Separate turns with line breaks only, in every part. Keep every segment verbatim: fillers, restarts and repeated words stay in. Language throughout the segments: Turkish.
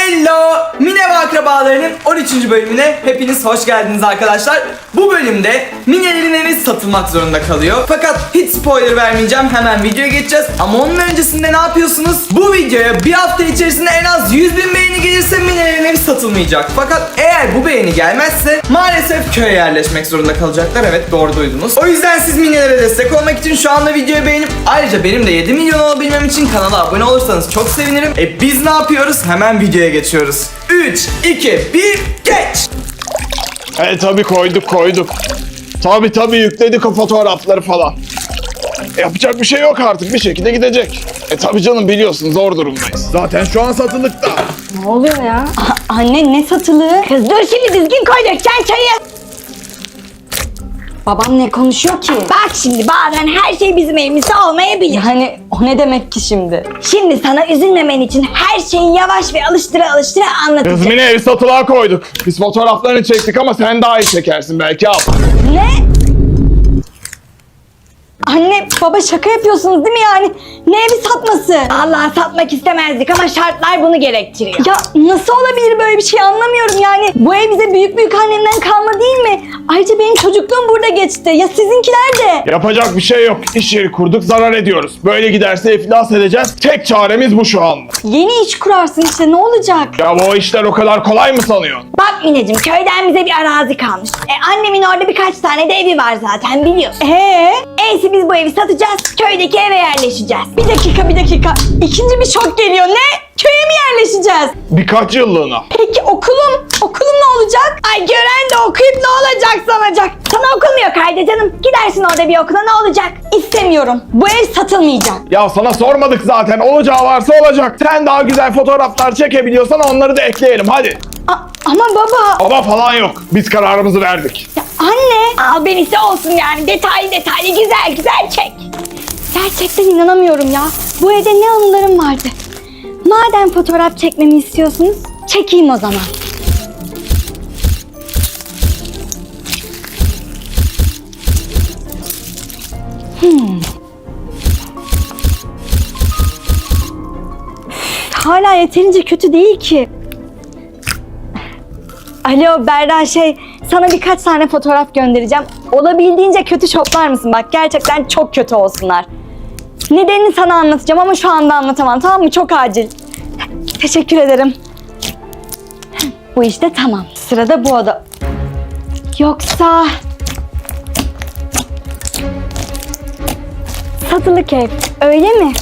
Hello! Mine ve Akrabalarının on üçüncü bölümüne hepiniz hoş geldiniz arkadaşlar. Bu bölümde Mine'lerin evi satılmak zorunda kalıyor. Fakat hiç spoiler vermeyeceğim, hemen videoya geçeceğiz. Ama onun öncesinde ne yapıyorsunuz? Bu videoya bir hafta içerisinde en az yüz bin beğeni gelirse Mine'lerin evi satılmayacak. Fakat eğer bu beğeni gelmezse maalesef köye yerleşmek zorunda kalacaklar. Evet, doğru duydunuz. O yüzden siz Mine'lere destek olmak için şu anda videoyu beğenip ayrıca benim de yedi milyon olabilmem için kanala abone olursanız çok sevinirim. E biz ne yapıyoruz? Hemen videoya geçiyoruz. üç, iki, bir, geç!
E tabi koyduk koyduk. Tabi tabi yükledik o fotoğrafları falan. E, yapacak bir şey yok artık, bir şekilde gidecek. E tabi canım, biliyorsun zor durumdayız. Zaten şu an satılıkta.
Ne oluyor ya? A- anne ne satılığı? Kız dur şimdi düzgün koy, dökeceksin çayı. Babam ne konuşuyor ki?
Bak şimdi bazen her şey bizim elimizde olmayabilir.
Yani o ne demek ki şimdi?
Şimdi sana üzülmemen için her şeyi yavaş ve alıştıra alıştıra anlatacağım.
Kızmine evi satılığa koyduk. Biz fotoğraflarını çektik ama sen daha iyi çekersin belki, al.
Ne? Anne baba şaka yapıyorsunuz değil mi yani? Ne evi satması?
Allah satmak istemezdik ama şartlar bunu gerektiriyor.
Ya nasıl olabilir böyle bir şey, anlamıyorum yani. Bu ev bize büyük büyük annemden kalma değil mi? Ayrıca benim çocukluğum burada geçti. Ya sizinkiler de.
Yapacak bir şey yok. İş yeri kurduk, zarar ediyoruz. Böyle giderse iflas edeceğiz. Tek çaremiz bu şu anda.
Yeni iş kurarsın işte, ne olacak?
Ya bu işler o kadar kolay mı sanıyorsun?
Bak Mineciğim, köyden bize bir arazi kalmış. E, annemin orada birkaç tane de evi var zaten biliyorsun.
Ee?
Eysi biz bu evi satacağız, köydeki eve yerleşeceğiz.
Bir dakika bir dakika. İkinci bir şok geliyor. Ne? Köye mi yerleşeceğiz?
Birkaç yıllığına.
Peki okulum? Okulum ne olacak?
Ay gören de okuyup ne olacak sanacak. Sana okulmuyor kaydı canım. Gidersin orada bir okula, ne olacak?
İstemiyorum. Bu ev satılmayacak.
Ya sana sormadık zaten. Olacağı varsa olacak. Sen daha güzel fotoğraflar çekebiliyorsan onları da ekleyelim, hadi.
A- ama baba.
Ama falan yok. Biz kararımızı verdik.
Ya anne.
Al benisi olsun yani, detaylı detaylı güzel güzel çek.
Gerçekten inanamıyorum ya. Bu evde ne anılarım vardı. Madem fotoğraf çekmemi istiyorsunuz, çekeyim o zaman. Hmm. Hala yeterince kötü değil ki. Alo Berra, şey, sana birkaç tane fotoğraf göndereceğim. Olabildiğince kötü şoplar mısın? Bak gerçekten çok kötü olsunlar. Nedenini sana anlatacağım ama şu anda anlatamam, tamam mı? Çok acil. Teşekkür ederim. Bu işte tamam. Sırada bu oda. Yoksa... Satılık ev, öyle mi?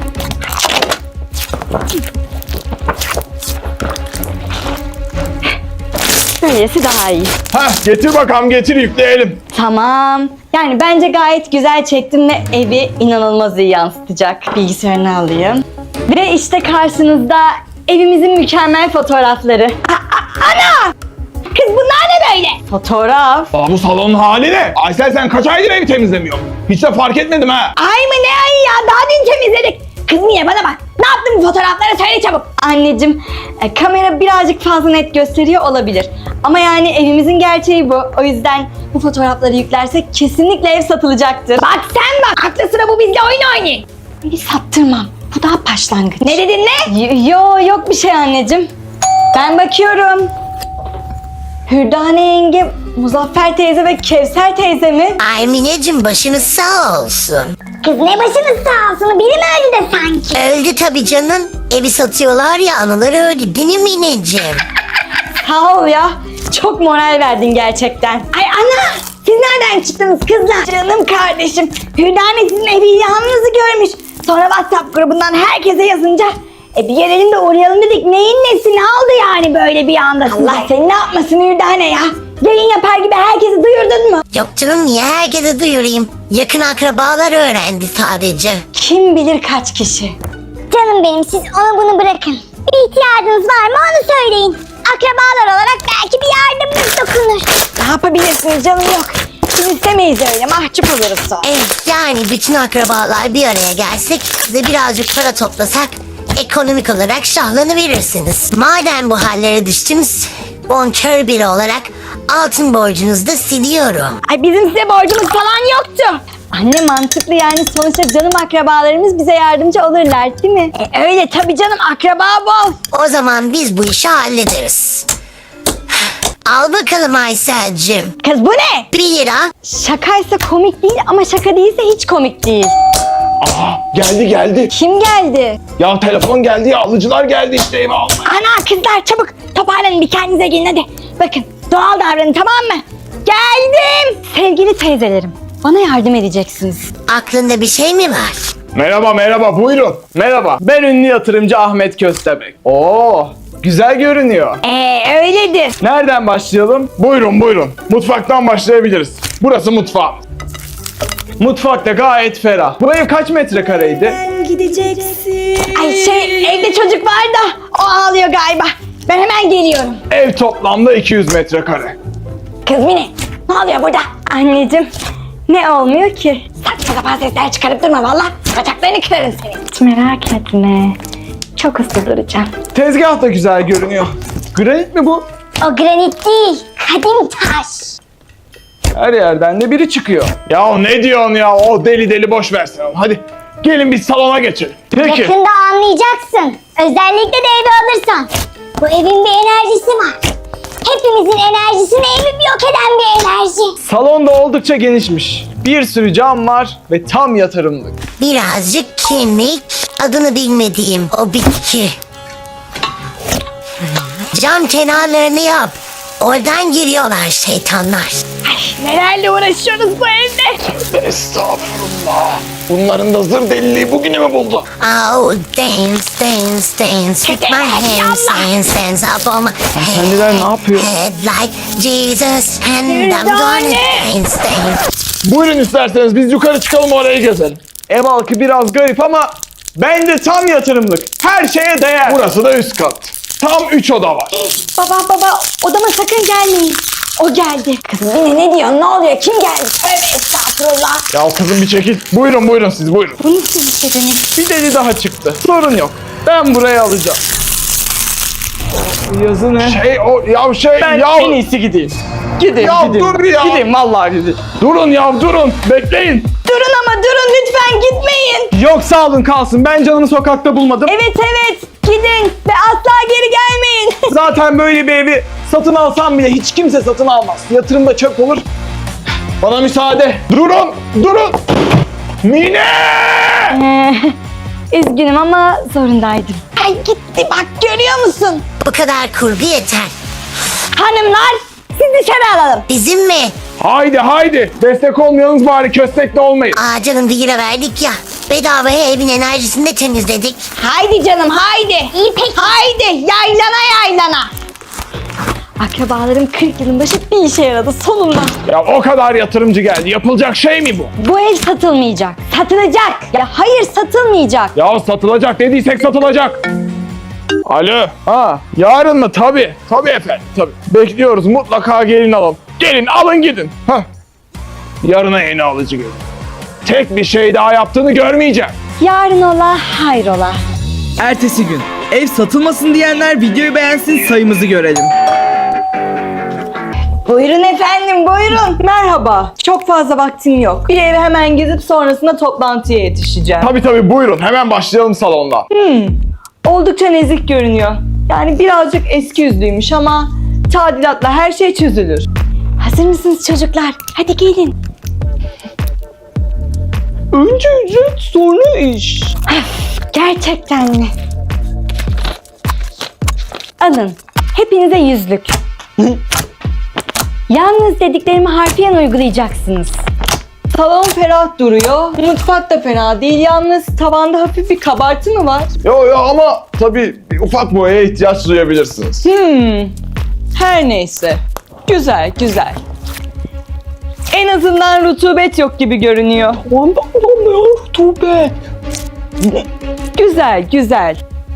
Böylesi daha iyi.
Heh, getir bakalım, getir yükleyelim.
Tamam. Yani bence gayet güzel çektim ve evi inanılmaz iyi yansıtacak. Bilgisayarını alayım. Ve işte karşınızda evimizin mükemmel fotoğrafları.
Ana! Kız bunlar ne böyle?
Fotoğraf.
Aa, bu salonun hali ne? Aysel, sen kaç aydır evi temizlemiyorsun? Hiç de fark etmedim ha.
Ay mı ne ay ya, daha dün temizledik. Kız niye bana bak, ne yaptın bu fotoğraflara, söyle çabuk.
Anneciğim, e, kamera birazcık fazla net gösteriyor olabilir. Ama yani evimizin gerçeği bu. O yüzden bu fotoğrafları yüklersek kesinlikle ev satılacaktır.
Bak sen bak, aklı sıra bu bizle oyun oynayın.
Evi sattırmam. Bu daha başlangıç.
Ne dedin ne?
Y- Yo yok bir şey anneciğim. Ben bakıyorum. Hürdane yenge, Muzaffer teyze ve Kevser teyze mi?
Ay Mineciğim, başınız sağ olsun.
Kız ne başınız sağ olsun, biri mi öldü de sanki?
Öldü tabii canım. Evi satıyorlar ya, anıları öldü değil mi Mineciğim?
Sağ ol ya. Çok moral verdin gerçekten.
Ay ana! Siz nereden çıktınız kızlar? Canım kardeşim, Hürdane sizin evi yalnızı görmüş. Sonra WhatsApp grubundan herkese yazınca e bir gelelim de uğrayalım dedik. Neyin nesi, ne oldu yani böyle bir anda size? Allah seni ne yapmasın Hürdane ya? Yayın yapar gibi herkesi duyurdun mu?
Yok canım, niye herkese duyurayım? Yakın akrabalar öğrendi sadece.
Kim bilir kaç kişi.
Canım benim, siz onu bunu bırakın. Bir ihtiyacınız var mı onu söyleyin. Akrabalar olarak belki bir yardımımız dokunur.
Ne yapabilirsiniz canım, yok. Biz istemeyiz öyle, mahcup oluruz sonra.
Evet, yani bütün akrabalar bir araya gelsek, size birazcık para toplasak ekonomik olarak şahlanıverirsiniz. Madem bu hallere düştünüz, bonkör biri olarak altın borcunuzu da siliyorum.
Ay bizim size borcumuz falan yoktu.
Anne mantıklı yani sonuçta canım akrabalarımız bize yardımcı olurlar değil mi?
E, öyle tabii canım, akraba bol.
O zaman biz bu işi hallederiz. Al bakalım Aysel'cim.
Kız bu ne?
Bir lira.
Şakaysa komik değil ama şaka değilse hiç komik değil.
Aha geldi geldi.
Kim geldi?
Ya telefon geldi ya alıcılar geldi işte eve almaya.
Ana kızlar çabuk toparlanın, bir kendinize gelin hadi. Bakın doğal davranın, tamam mı? Geldim.
Sevgili teyzelerim, bana yardım edeceksiniz.
Aklında bir şey mi var?
Merhaba merhaba buyurun.
Merhaba, ben ünlü yatırımcı Ahmet Köstebek. Oo, güzel görünüyor.
Ee öyledir.
Nereden başlayalım?
Buyurun buyurun. Mutfaktan başlayabiliriz. Burası mutfağım.
Mutfak da gayet ferah. Bu ev kaç metrekareydi?
Ay şey, evde çocuk var da o ağlıyor galiba. Ben hemen geliyorum.
Ev toplamda iki yüz metrekare.
Kız Mine, ne oluyor burada?
Anneciğim, ne olmuyor ki?
Saçma sapan sesler çıkarıp durma valla. Bacaklarını kırarım seni.
Hiç merak etme. Çok hızlı duracağım.
Tezgah da güzel görünüyor. Granit mi bu?
O granit değil, kadim taş.
Her yerden de biri çıkıyor.
Ya ne diyorsun ya? O deli deli boş versin onu. Hadi gelin biz salona geçelim.
Peki.
Yakında anlayacaksın. Özellikle de evi alırsan. Bu evin bir enerjisi var. Hepimizin enerjisini evim yok eden bir enerji.
Salon da oldukça genişmiş. Bir sürü cam var ve tam yatırımlık.
Birazcık kemik, adını bilmediğim o bitki. Cam kenarlarını yap. Oradan giriyorlar şeytanlar.
Nelerle uğraşıyoruz bu evde?
Estağfurullah. Bunların da zır deliliği bugünü mü buldu?
Oh, dance, dance, dance with my hands, dance, dance up on my
Hanımefendiler ne yapıyor?
head like Jesus and I'm gonna dance, dance.
Buyurun isterseniz biz yukarı çıkalım orayı gezelim.
Ev halkı biraz garip ama bence tam yatırımlık. Her şeye değer.
Burası da üst kat. Tam üç oda var.
Baba baba, odama sakın gelmeyin. O geldi. Kız Mine ne diyor, ne oluyor, kim geldi? Tövbe estağfurullah.
Ya kızım bir çekil. Buyurun buyurun siz buyurun.
Bu nasıl bir şey demek?
Bir deli daha çıktı. Sorun yok. Ben buraya alacağım. Bu yazı ne?
Şey o ya şey
Ben
ya.
en iyisi gideyim. Gideyim
Ya
gideyim.
dur ya.
Gideyim vallahi gideyim.
Durun ya durun. Bekleyin.
Durun ama durun, lütfen gitmeyin.
Yok sağ olun kalsın. Ben canımı sokakta bulmadım.
Evet evet, gidin ve asla geri gelmeyin.
Zaten böyle bir evi satın alsam bile hiç kimse satın almaz. Yatırımda çöp olur. Bana müsaade.
Durun. Durun. Mine!
Ee, üzgünüm ama zorundaydım.
Ay gitti bak, görüyor musun?
Bu kadar kurgu yeter.
Hanımlar, siz dışarı alalım.
Bizim mi?
Haydi haydi. Destek olmayanız bari köstekli olmayın.
Aa canım bir lira verdik ya. Bedavaya evin enerjisini de temizledik.
Haydi canım haydi. İyi peki. Haydi yaylana yaylana.
Akrabalarım kırk yılın başı bir işe yaradı sonunda.
Ya o kadar yatırımcı geldi. Yapılacak şey mi bu?
Bu ev satılmayacak.
Satılacak.
Ya hayır satılmayacak.
Ya satılacak dediysek satılacak. Alo. Ha, yarın mı? Tabii. Tabii efendim. Tabii. Bekliyoruz. Mutlaka gelin alalım. Gelin alın gidin. Hah. Yarına yeni alıcı gelin. Tek bir şey daha yaptığını görmeyeceğim.
Yarın ola hayrola.
Ertesi gün. Ev satılmasın diyenler videoyu beğensin, sayımızı görelim.
Buyurun efendim, buyurun.
Merhaba. Çok fazla vaktim yok. Bir evi hemen gezip sonrasında toplantıya yetişeceğim.
Tabii tabii buyurun. Hemen başlayalım salonda.
Oldukça nezik görünüyor. Yani birazcık eski yüzlüymüş ama tadilatla her şey çözülür. Hazır mısınız çocuklar? Hadi gelin.
Önce ücret sonra iş.
Gerçekten mi? Alın. Hepinize yüzlük. Yalnız dediklerimi harfiyen uygulayacaksınız. Salon ferah duruyor. Mutfak da fena değil. Yalnız tavanda hafif bir kabartı mı var?
Yo yo ama tabii bir ufak boyaya ihtiyaç duyabilirsiniz.
Hmm. Her neyse. Güzel, güzel. En azından rutubet yok gibi görünüyor.
Ondan bulamıyor rutubet.
Güzel, güzel.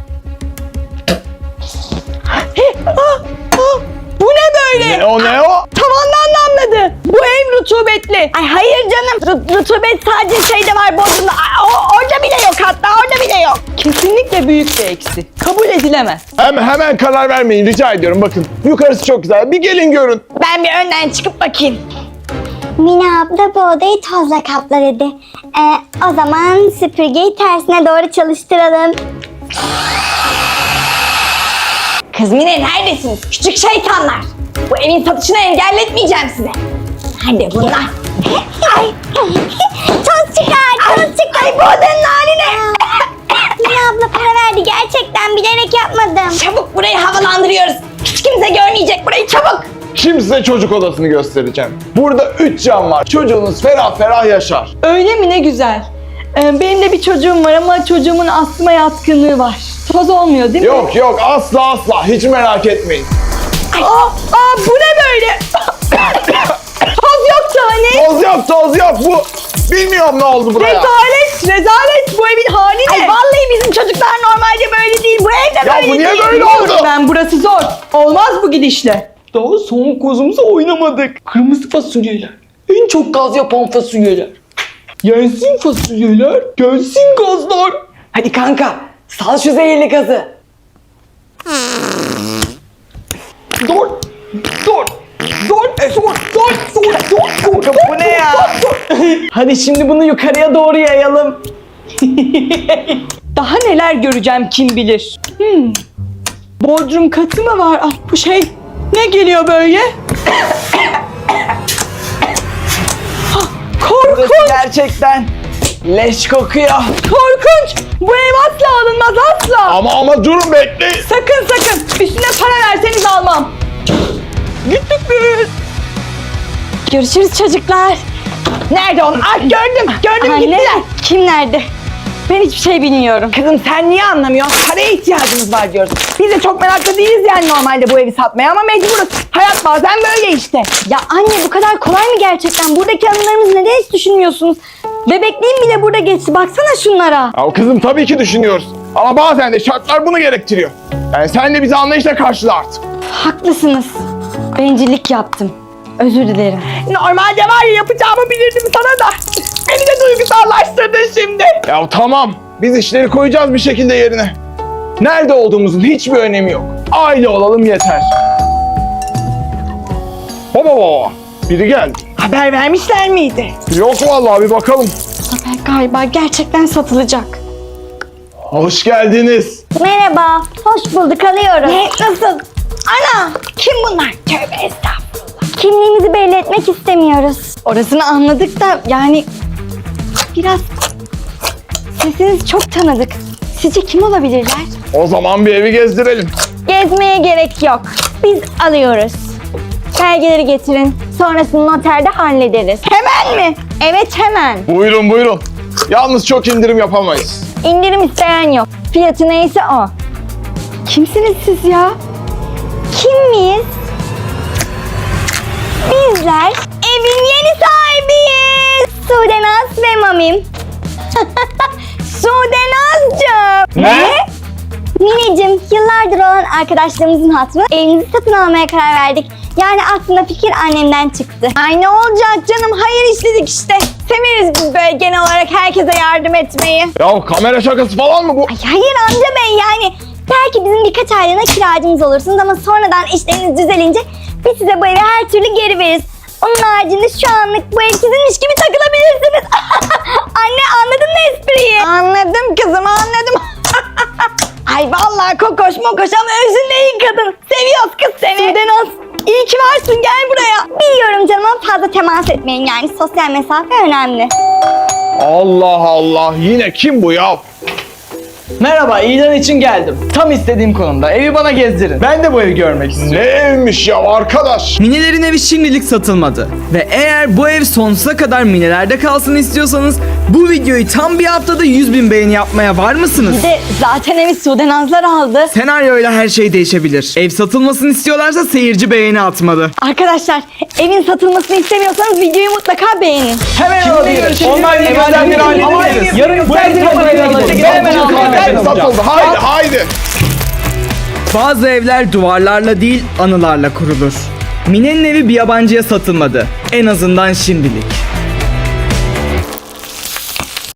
Ah, ah, bu ne böyle?
Ne o ne o?
Tavandan damladı. Bu ev rutubetli.
Ay hayır canım, Ru- rutubet sadece şeyde var, Bodrum'da. Ay, o- orada bile yok, hatta orada bile yok.
Kesinlikle büyük bir eksi. Kabul edilemez.
Hem, hemen karar vermeyin rica ediyorum bakın. Yukarısı çok güzel. Bir gelin görün.
Ben bir önden çıkıp bakayım.
Mine abla bu odayı tozla kapla dedi. Ee, o zaman süpürgeyi tersine doğru çalıştıralım.
Kız Mine neredesiniz? Küçük şeytanlar. Bu evin satışını engelletmeyeceğim size. Nerede bunlar?
Ay, toz çıkar, toz çıkar.
Ay bu odanın hali ne?
Mine abla para verdi, gerçekten bilerek yapmadım.
Çabuk burayı havalandırıyoruz. Hiç kimse görmeyecek burayı, çabuk.
Şimdi size çocuk odasını göstereceğim. Burada üç cam var. Çocuğunuz ferah ferah yaşar.
Öyle mi, ne güzel. Ee, benim de bir çocuğum var ama çocuğumun astıma yatkınlığı var. Toz olmuyor değil mi?
Yok yok asla asla hiç merak etmeyin.
Aa, aa bu ne böyle? Toz yoktu hani.
Toz yok toz yok bu. Bilmiyorum ne oldu buraya.
Rezalet, rezalet. Bu evin hali ne?
Ay vallahi bizim çocuklar normalde böyle değil. Bu evde
Ya
böyle
bu niye
değil.
böyle oldu?
Ben, burası zor. Olmaz bu gidişle. Daha son kozumuza oynamadık. Kırmızı fasulyeler. En çok gaz yapan fasulyeler. Yensin fasulyeler, gelsin gazlar. Hadi kanka, sal şu zehirli gazı. Dur, dur. Dur, dur, dur, dur, dur, dur. Bu ne ya? Hadi şimdi bunu yukarıya doğru yayalım. Daha neler göreceğim kim bilir. Hmm. Bodrum katı mı var? Ah, bu şey ne geliyor böyle? Ah, korkunç.
Gerçekten leş kokuyor.
Korkunç. Bu ev asla alınmaz, asla.
Ama ama durun bekleyin.
Sakın sakın. Üstüne para verseniz almam. Gittik biz. Görüşürüz çocuklar.
Nerede onlar? Ah, gördüm, gördüm
Anne,
gittiler.
kim nerede? Ben hiçbir şey bilmiyorum.
Kızım sen niye anlamıyorsun? Paraya ihtiyacımız var diyoruz. Biz de çok meraklı değiliz yani normalde bu evi satmaya ama mecburuz. Hayat bazen böyle işte.
Ya anne, bu kadar kolay mı gerçekten? Buradaki anılarımızı neden hiç düşünmüyorsunuz? Bebekliğim bile burada geçti. Baksana şunlara.
Ya kızım tabii ki düşünüyoruz. Ama bazen de şartlar bunu gerektiriyor. Yani sen de bizi anlayışla karşıla artık.
Haklısınız. Bencillik yaptım. Özür dilerim.
Normalde var ya yapacağımı bilirdim sana da. Beni de duygusallaştırdın şimdi.
Ya tamam. Biz işleri koyacağız bir şekilde yerine. Nerede olduğumuzun hiçbir önemi yok. Aile olalım yeter. Baba baba. Biri geldi.
Haber vermişler miydi?
Yok vallahi bir bakalım.
Zafer galiba gerçekten satılacak.
Hoş geldiniz.
Merhaba, hoş bulduk, alıyorum.
Ne? Nasıl? Ana! Kim bunlar? Tövbe estağfurullah.
Kimliğimizi belli etmek istemiyoruz.
Orasını anladık da yani biraz sesiniz çok tanıdık. Sizce kim olabilirler?
O zaman bir evi gezdirelim.
Gezmeye gerek yok. Biz alıyoruz. Belgeleri getirin. Sonrasını noterde hallederiz.
Hemen mi?
Evet, hemen.
Buyurun buyurun. Yalnız çok indirim yapamayız.
İndirim isteyen yok. Fiyatı neyse o.
Kimsiniz siz ya?
Kim miyiz? Bizler evin yeni sahibiyiz. Sudenaz ve Mamim. Sudenaz'cığım.
Ne?
Mineciğim, yıllardır olan arkadaşlarımızın hatırına evimizi satın almaya karar verdik. Yani aslında fikir annemden çıktı.
Ay ne olacak canım? Hayır işledik işte. Severiz biz böyle genel olarak herkese yardım etmeyi.
Ya kamera şakası falan mı bu?
Ay hayır amca bey, yani belki bizim birkaç aylığına kiracımız olursunuz ama sonradan işleriniz düzelince biz size bu evi her türlü geri veririz. Onun haricinde şu anlık bu ev sizinmiş gibi takılabilirsiniz. Anne, anladın mı espriyi?
Anladım kızım, anladım. Ay vallahi kokoş mokoş ama özünde iyi kadın. Seviyoruz kız seni.
Sudenaz,
İyi ki varsın, gel buraya.
biliyorum canım ama fazla temas etmeyin, yani sosyal mesafe önemli.
Allah Allah. Yine kim bu ya?
Merhaba, ilan için geldim. Tam istediğim konumda. Evi bana gezdirin. Ben de bu evi görmek istiyorum.
Ne evmiş ya arkadaş?
Minelerin evi şimdilik satılmadı. Ve eğer bu ev sonsuza kadar Minelerde kalsın istiyorsanız bu videoyu tam bir haftada yüz bin beğeni yapmaya var mısınız?
Bir de zaten evi Sudenazlar aldı.
Senaryoyla her şey değişebilir. Ev satılmasını istiyorlarsa seyirci beğeni atmalı.
Arkadaşlar, evin satılmasını istemiyorsanız videoyu mutlaka beğenin.
Hemen alabiliriz. Onlar yemeden bir hallederiz. Yarın bu evi hemen alabiliriz.
Ev satıldı. Haydi haydi.
Bazı evler duvarlarla değil anılarla kurulur. Mine'nin evi bir yabancıya satılmadı. En azından şimdilik.